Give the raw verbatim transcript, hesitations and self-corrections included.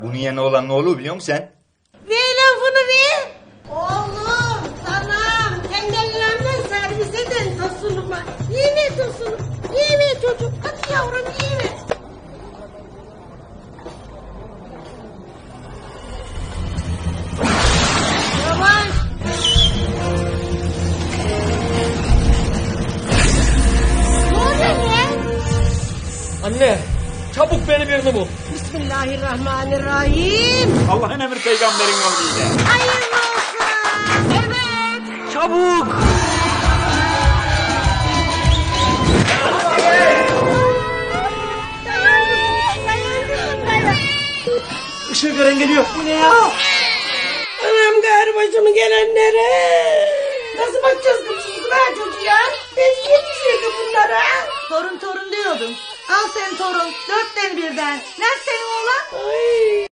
Bunun yerine olan ne olur biliyor musun sen? Ver lafını ver. Oğlum, sanam, kendilerine servis eden tosunuma. Yeme tosunum, yeme çocuğum. Hadi yavrum yeme. Yavaş. Ne oluyor lan? Anne, çabuk beni birini bul. Bismillahirrahmanirrahim. Allah'ın emri peygamberin yoluyla. Hayırlı olsun. Evet. Çabuk! Dayandım, dayandım, dayandım. Işığı gören geliyor. Bu ne ya? Anam gayrı başımı gelenlere. Nasıl bakacağız kızımızla çocuğa? Biz yetişirdik bunlara. Torun torun diyordun. Al sen torun. Dörtten birden. Nerede senin oğlan? Ay.